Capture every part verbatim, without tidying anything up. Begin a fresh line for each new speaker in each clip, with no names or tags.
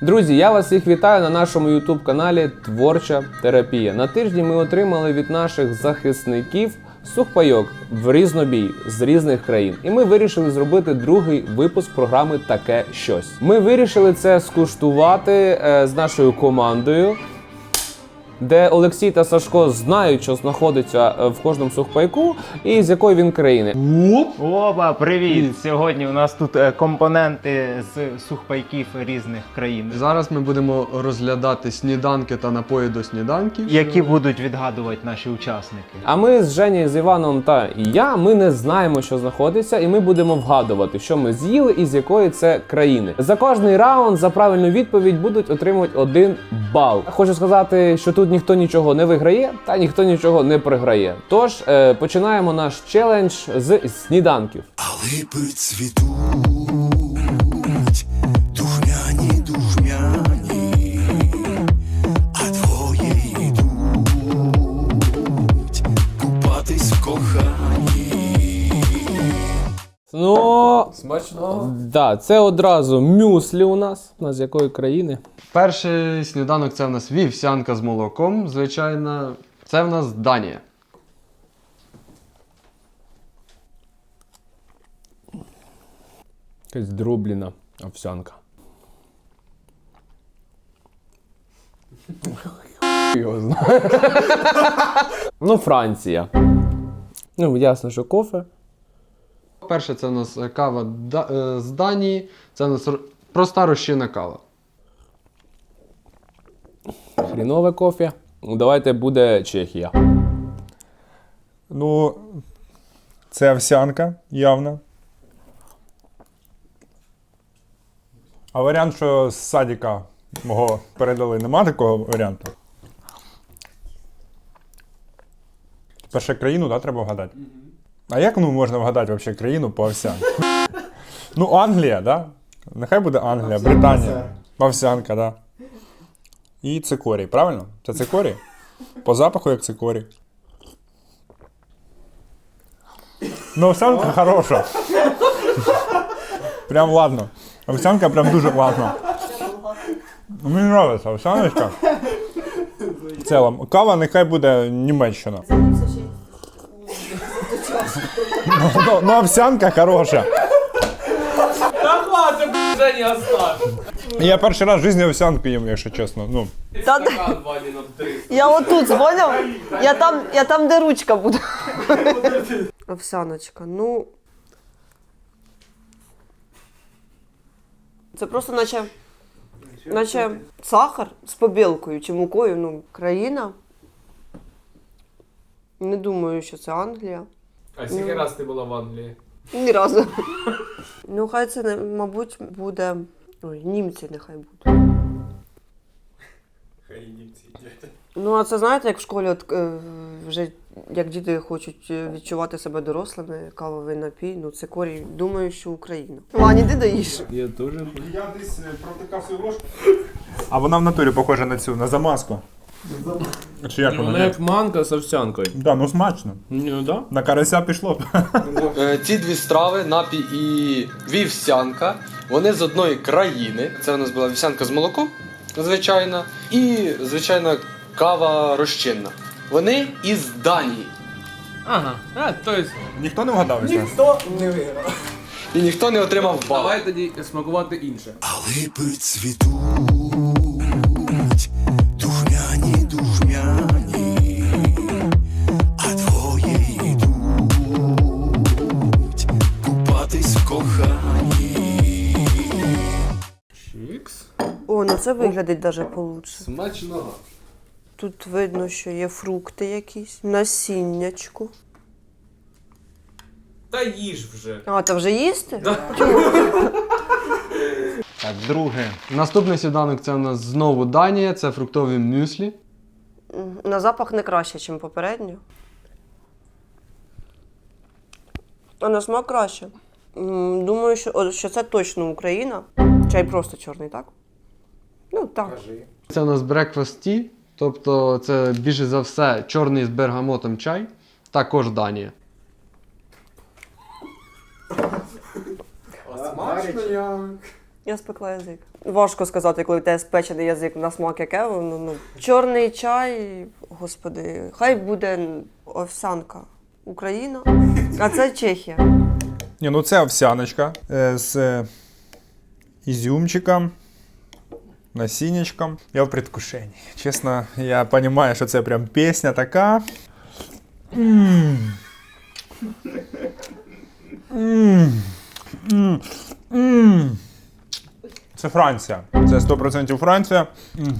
Друзі, я вас всіх вітаю на нашому ютуб-каналі Творча терапія. На тижні ми отримали від наших захисників сухпайок в різнобій з різних країн. І ми вирішили зробити другий випуск програми «Таке щось». Ми вирішили це скуштувати е, з нашою командою, де Олексій та Сашко знають, що знаходиться в кожному сухпайку і з якої він країни.
Опа, привіт! Сьогодні у нас тут компоненти з сухпайків різних країн,
Зараз ми будемо розглядати сніданки та напої до сніданків,
які будуть відгадувати наші учасники.
А ми з Женєю, з Іваном та я, ми не знаємо, що знаходиться, і ми будемо вгадувати, що ми з'їли і з якої це країни. За кожний раунд, за правильну відповідь будуть отримувати один бал. Хочу сказати, що тут ніхто нічого не виграє, та ніхто нічого не програє. Тож, е, починаємо наш челендж з сніданків.
А липи цвітуть, духмяні, духмяні, а двоє йдуть купатись в коханні.
Ну,
Смачно.
да, це одразу мюслі у нас. У нас з якої країни?
Перший сніданок це в нас вівсянка з молоком, звичайно. Це в нас Данія.
Якась дроблена овсянка. Його знає. Ну, Франція. Ну, ясно, що кофе.
Перше це в нас кава да- е, з Данії. Це в нас р- проста розчинна кава.
Хрінове кофе. Ну, давайте буде Чехія.
Ну, це овсянка, явно. А варіант, що з садика мого передали, нема такого варіанту? Перше країну, да, треба вгадати? А як ну, можна вгадати взагалі країну по овсянці? Ну, Англія, да? Нехай буде Англія, Британія. Овсянка, да. І цикорій, правильно? Це цикорій? По запаху як цикорій. Ну, овсянка хороша. Прям ладно. Овсянка прям дуже класна. Мені подобається овсяночка. В цілому. Кава нехай буде Німеччина. Ну, ну, ну овсянка хороша. Я перший раз в житті овсянку їм, якщо чесно. Ну.
Та, я отут дзвонив, я там, я там, де ручка буде. Овсяночка, ну. Це просто наче, наче сахар з побілкою чи мукою, ну, країна. Не думаю, що це Англія.
А скільки раз ти була в Англії?
Ні разу. Ну, хай це, не- мабуть, буде. Ой, німці нехай будуть. Хай німці йдуть. Ну, а це знаєте, як в школі от, е, вже як діти хочуть е, відчувати себе дорослими, кавовий напій, ну це корінь. Думаю, що Україна. Ваня, іди доїж.
Я теж.
Я десь протикав свою ложку. А вона в натурі похожа на цю, на замазку. Чи як вона?
Вона як манка з овсянкою.
Да, ну смачно.
Ну, да?
На карася пішло.
Е, Ці дві страви, напій і вівсянка, вони з одної країни. Це у нас була вівсянка з молоком, звичайно, і, звичайно, кава розчинна. Вони із Данії.
Ага, а, то есть...
Ніхто не вгадав із нас?
І ніхто не отримав бал.
Давай тоді смакувати інше.
А липи цвітуть, духмяні, духмяні, а двоє йдуть купатись в коханні.
Чікс.
О, ну це виглядить даже получше.
Смачного.
Тут видно, що є фрукти якісь, насіннячку.
Та їж вже.
А, та вже їсти?
Так, друге.
Наступний сніданок це у нас знову Данія, це фруктові мюслі.
М, На запах не краще, ніж попередньо. А на смак краще. М, Думаю, що, о, що це точно Україна. Чай просто чорний, так? Ну, так.
Це у нас breakfast tea, тобто це більше за все чорний з бергамотом чай, також Данія.
Смачно як.
Я спекла язик. Важко сказати, коли в тебе спечений язик на смак яке. Ну, ну. Чорний чай, господи, хай буде овсянка. Україна, а це Чехія.
Ні, ну це овсяночка е, з е, ізюмчиком, насіннячком. Я в предвкушенні. Чесно, я розумію, що це прям пісня така. М. М. М. М. Це Франція. Це сто відсотків Франція. М.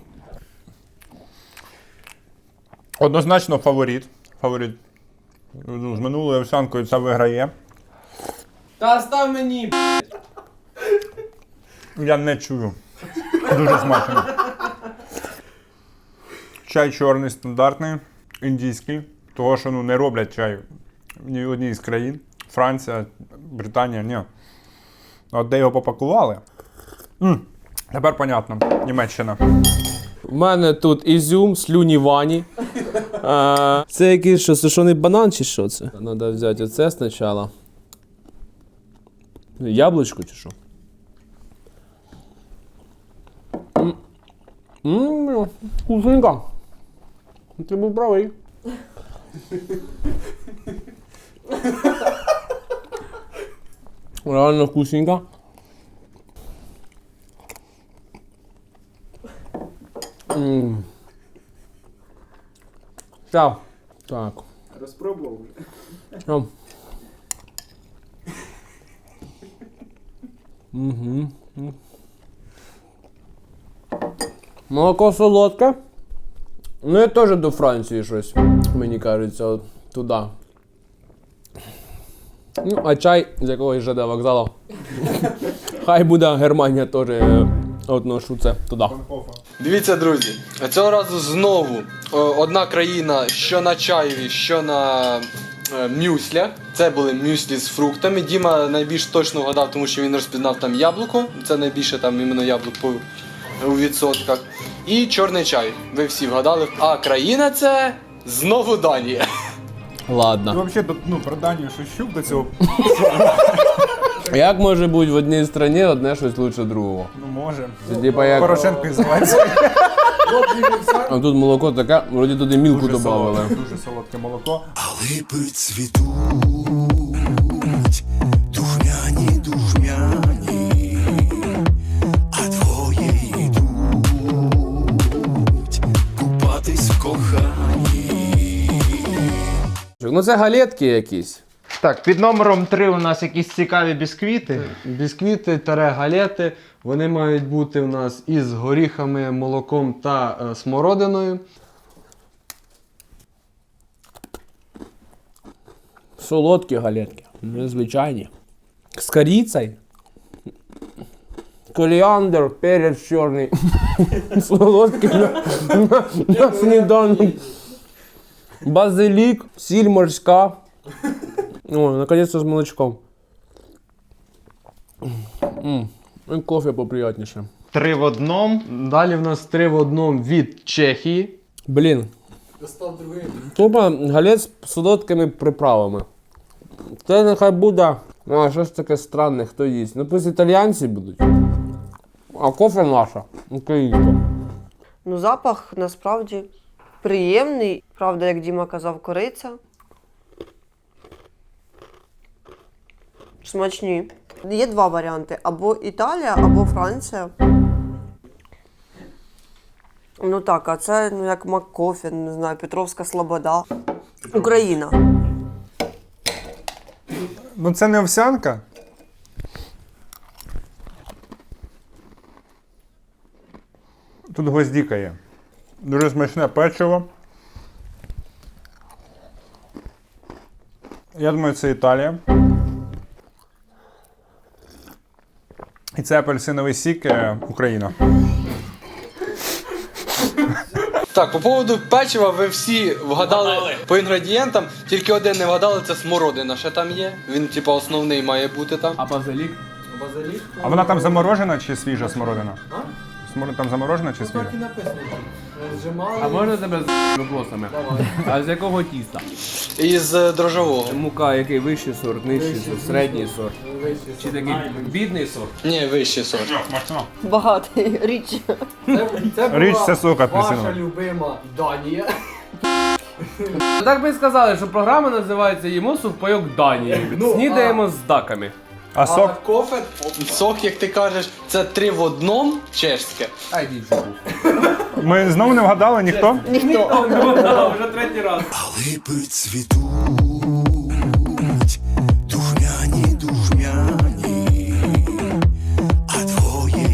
Однозначно фаворит. Фаворит. Ну, з минулою овсянкою це виграє.
Та став мені!
Я не чую. Дуже смачно. Чай чорний, стандартний, індійський. Того, що ну, не роблять чай в ні одній з країн. Франція, Британія, ні. От де його попакували. М, Тепер понятно. Німеччина.
У мене тут ізюм, слюні вані. А, це якийсь що, сушений банан чи що це? Треба взяти оце спочатку. Яблучко чи що? Ммм, вкусненько. Ти був правий. Реально вкусненько. Ммм. Так. Так.
Розпробував.
Угу. Угу. Молоко солодке. Ну, я теж до Франції щось, мені кажеться, от туди. Ну, а чай з якогось ЖД вокзалу. Хай буде Германія теж е, отношу це туди.
Дивіться, друзі, цього разу знову о, одна країна, що на чаєві, що на е, мюслях. Це були мюслі з фруктами. Діма найбільш точно вгадав, тому що він розпізнав там яблуко. Це найбільше там іменно яблук по, у відсотках. І чорний чай. Ви всі вгадали. А країна це знову Данія.
Ладно.
Ну, взагалі, ну, про Данію Шущук до цього.
Як може бути в одній країні одне щось лучше другого?
Ну, може.
Це типа як...
Порошенко і Зеленський.
А тут молоко таке, вроді туди мілку
Дуже
додавали.
солодке, дуже солодке молоко.
А липи цвітуть, духмяні, духмяні, а двоє йдуть купатись в коханні.
Ну це галетки якісь.
Так, під номером три у нас якісь цікаві бісквіти.
Бісквіти таре галети, вони мають бути у нас із горіхами, молоком та е, смородиною.
Солодкі галетки. Незвичайні. З корицею. Коріандр, перець чорний. Солодкий на, на, на сніданок. Базилік, сіль морська. О, наконец-то з молочком. М, І кофе поприятніше.
Три в одному.
Далі в нас три в одному від Чехії.
Блін. Тупо галет з солодкими приправами. Це нехай буде. А, що ж таке странне, хто їсть? Ну пусть італіянці будуть. А кофе наша, українська.
Ну, запах насправді приємний. Правда, як Діма казав, кориця. Смачні. Є два варіанти: або Італія, або Франція. Ну так, а це ну, як Маккофі, не знаю, Петровська Слобода. Україна.
Ну це не овсянка. Тут гвоздіка є. Дуже смачне печиво. Я думаю, це Італія. І це апельсиновий сік е, Україна.
Так, по поводу печива ви всі вгадали по інгредієнтам, тільки один не вгадали, це смородина ще там є. Він, типу, основний має бути там.
А базилік?
А вона там заморожена чи свіжа смородина? Може там заморожена чи свіжа?
А можна тебе з вопросами? А з якого тіста?
Із е, дрожжового.
Мука, який вищий сорт, нижчий сорт, середній сорт? Чи такий бідний сорт?
Ні, вищий сорт.
Багатий річ.
Річ це сок апельсиновий.
любима Данія.
Так би і сказали, що програма називається «Їмо сухпайок Данії». Снідаємо з даками.
А сок?
Кофе.
Сок, як ти кажеш, це три в одному чешське.
Ай, дідько.
Ми знову не вгадали ніхто?
Ніхто.
Вже третій раз.
А липи цвітуть, духмяні, духмяні, а двоє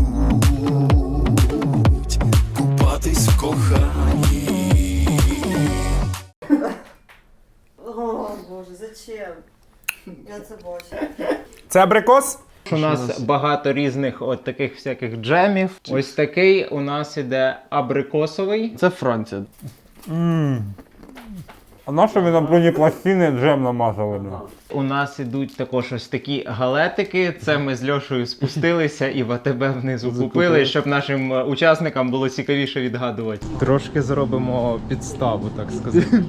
йдуть купатись в коханні.
О, Боже, зачем? Я це бачу.
Це абрикос?
У нас багато різних от таких всяких джемів. Ось такий у нас іде абрикосовий.
Це Франція.
А на що ви на броні пластини джем намазали? бля?
У нас ідуть також ось такі галетики. Це ми з Льошею спустилися і в АТБ внизу купили, щоб нашим е, учасникам було цікавіше відгадувати. Трошки зробимо підставу, так сказати.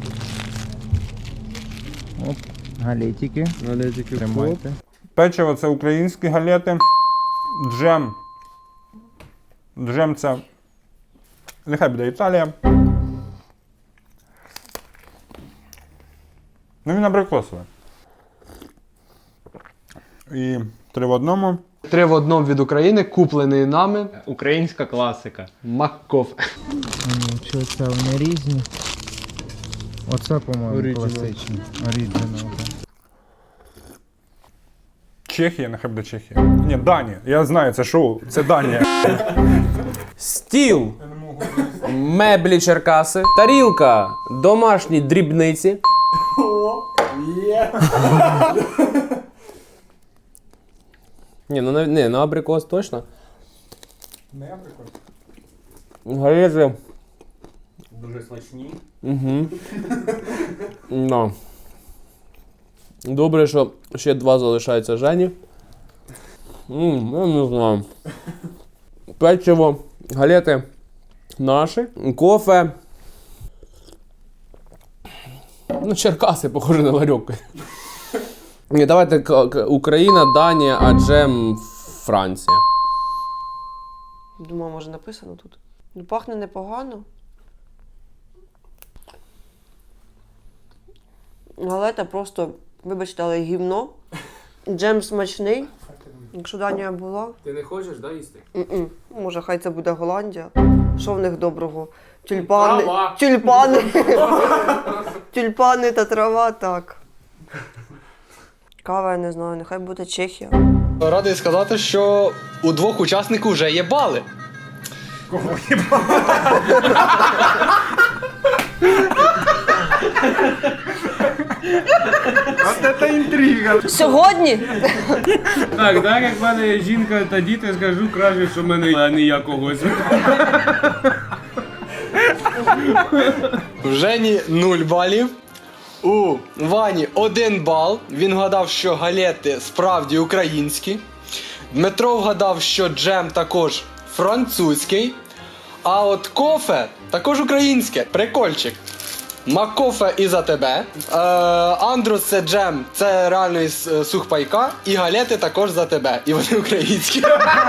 Оп, галетики.
Галетики.
Тримайте.
Печиво це українські галети. Джем. Джем це. Нехай буде Італія. Ну він абрикосовий. І три в одному.
Три в одному від України, куплений нами.
Українська класика.
Маккофе.
Чи це вони різні? Оце, по-моєму,
Original.
класичний. Оригінал.
Чехія, нехай буде Чехія. Ні, Данія. Я знаю, це шоу. Це Данія.
Стіл. Меблі Черкаси. Тарілка. Домашні дрібниці. Ні, ну, на- не, на абрикос точно.
Не абрикос.
Галети. Дуже смачні. Угу. No. Добре, що ще два залишаються Жені. Ммм, я не знаю. Печиво, галети наші, кофе. Ну, Черкаси, похоже на ларьок. Ні, давайте к- к- Україна, Данія, а джем Франція.
Думаю, може написано тут. Ну, пахне непогано. Галета просто, вибачте, але гівно. Джем смачний. Якщо Данія була.
Ти не хочеш, да, їсти?
М-м. Може, хай це буде Голландія. Що в них доброго? Тюльпани.
Трава.
Тюльпани. Тюльпани та трава, так. Кава, я не знаю, нехай буде Чехія.
Радий сказати, що у двох учасників вже є бали.
От це інтрига.
Сьогодні?
Так, так як в мене є жінка та діти, скажу краще, що в мене а не я когось.
В Жені нуль балів. У Вані один бал. Він вгадав, що галети справді українські. Дмитро вгадав, що джем також французький. А от кофе також українське. Прикольчик. Макофе і за тебе. Е, Андрус це джем, це реально із е, сухпайка. І галети також за тебе. І вони українські.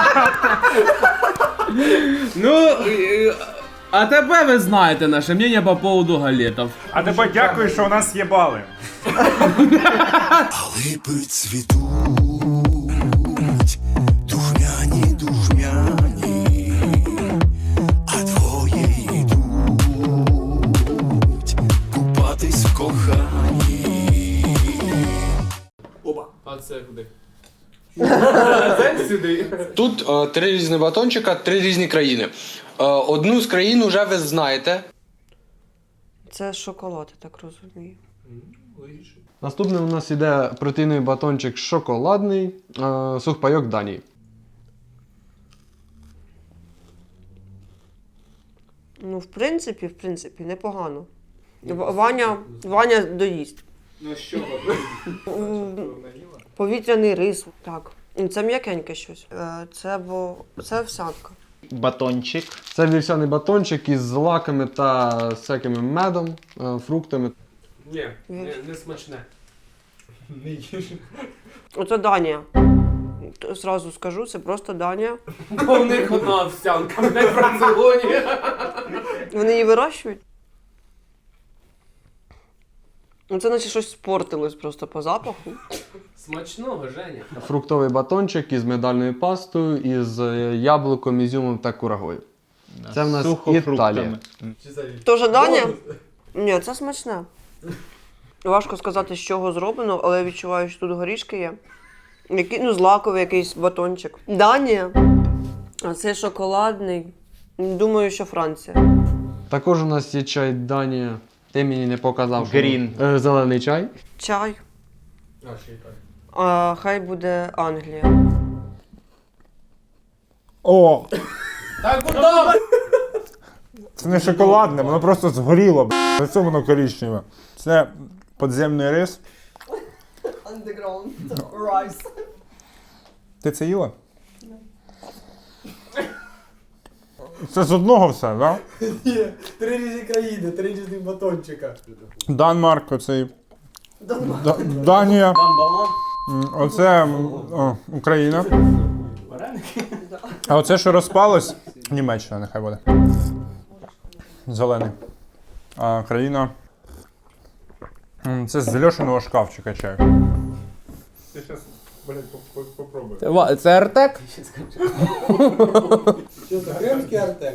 Ну, е, а тепер ви знаєте наше мнення по поводу галетів.
А тепер дякую, що у нас є бали.
А липи цвітуть, духмяні, духмяні, а двоє йдуть купатись в коханні.
А це куди? Це сюди.
Тут е, три різні батончика, три різні країни. Е, одну з країн вже ви знаєте.
Це шоколад, я так розумію.
Наступним у нас іде протеїновий батончик шоколадний, е, сухпайок Данії.
Ну, в принципі, в принципі, непогано. В- Ваня, Ваня доїсть.
Ну що?
М, Повітряний рис, так. Це м'якеньке щось. Е, Це, бо... це овсянка.
батончик.
Це вівсяний батончик із злаками та всякими медом, е, фруктами.
Ні, не, не смачне.
Оце Данія. Т- Зразу скажу, це просто Данія.
Бо в них одна овсянка, не в раціоні.
Вони її вирощують. Ну, це наче щось спортилось просто по запаху.
Смачного, Женя.
Фруктовий батончик із медальною пастою, із е, яблуком, ізюмом та курагою. Це в нас
Сухофруктами.
Італія.
Тоже Данія? Ні, це смачне. Важко сказати, з чого зроблено, але я відчуваю, що тут горішки є. Які, ну, злаковий якийсь батончик. Данія. А це шоколадний. Думаю, що Франція.
Також у нас є чай Данія. Ти мені не показав. що-
Грін.
Е, зелений чай.
Чай. А, хай буде Англія.
О,
Так, куди?
це не шоколадне, воно просто згоріло. б***. За це воно коричневе. Це подземний рис.
Underground rice.
Ти це їла? Це з одного все, так? Да?
Ні, три різні країни, три різні батончика.
Данмарк, оцей. Да- Данія. М, Оце м, о, Україна. А оце, що розпалось, Німеччина, нехай буде. Зелений. А країна. М, Це з Льошиного шкафчика чай. Ти зараз, блядь, попробуй.
Це Артек?
Що це, кримський артек?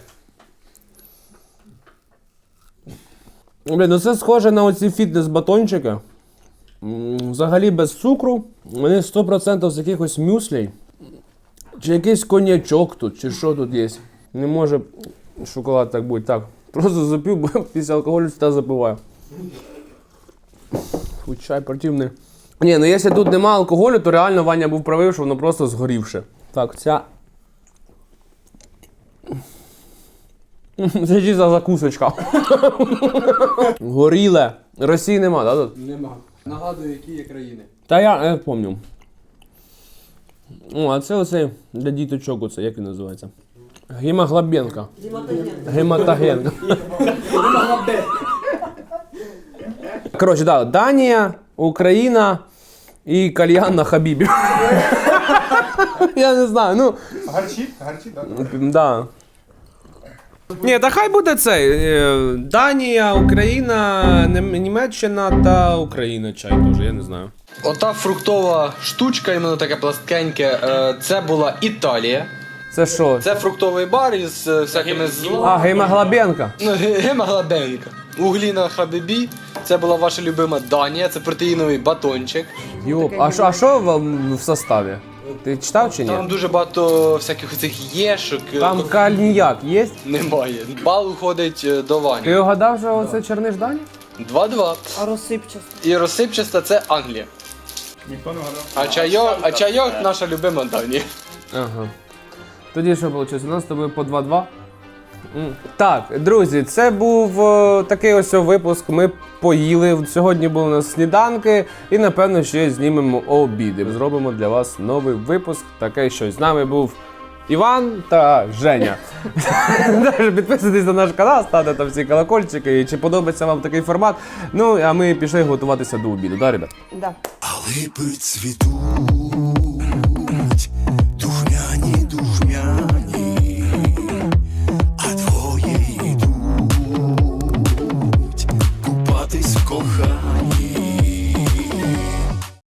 Блін, ну це схоже на оці фітнес-батончики. М, Взагалі без цукру. Вони сто відсотків з якихось мюслей. Чи якийсь коньячок тут, чи що тут є. Не може шоколад так бути. Так, просто запив, бо після алкоголю та запиваю. Фу, чай противний. Ні, ну якщо тут нема алкоголю, то реально Ваня був правий, що воно просто згорівше. Так, ця. Це чи за закусочка. Горіле. Росії нема, так? Тут?
Нема. Нагадую, які є країни.
Та я, я пам'ятаю. О, а це оцей для діточок, оце, як він називається? Гемоглобенка. Гематогенка. Коротше, так, Данія, Україна і кальян на Хабібі. Я не знаю, ну.
Гарчить? Гарчить, так?
Да. Ні, та хай буде цей. е, Данія, Україна, Нем- Німеччина та Україна чай теж, я не знаю.
Ота фруктова штучка, іменно таке пласткеньке, е, це була Італія.
Це що?
Це фруктовий бар із е, всякими зло.
А, гемоглобенка.
Ну, ге- гемоглобенка. Углі на хабібі. Це була ваша любима Данія, це протеїновий батончик.
Йоп, а що, а що вам в составі? Ти читав чи
Там
ні?
дуже багато всяких оцих єшок. е,
Там
ко-
кальніяк є?
Немає. Бал уходить е, до
Ти
Вані.
угадав, що це Черниш Дані?
два-два.
А розсипчасто.
І розсипчаста це Англія.
Ніхто не гадав.
А чайок, а чайок наша любима Данія.
Ага. Тоді що вийшло? У нас з тобою по два-два. М. Так, друзі, це був е, такий ось випуск. Ми поїли. Сьогодні були у нас сніданки і, напевно, ще знімемо обіди. Зробимо для вас новий випуск. Таке щось. З нами був Іван та Женя. Також підписуйтесь на наш канал, ставте там всі колокольчики. І чи подобається вам такий формат. Ну, а ми пішли готуватися до обіду. Да, ребят?
Да.
А липи цвітуть,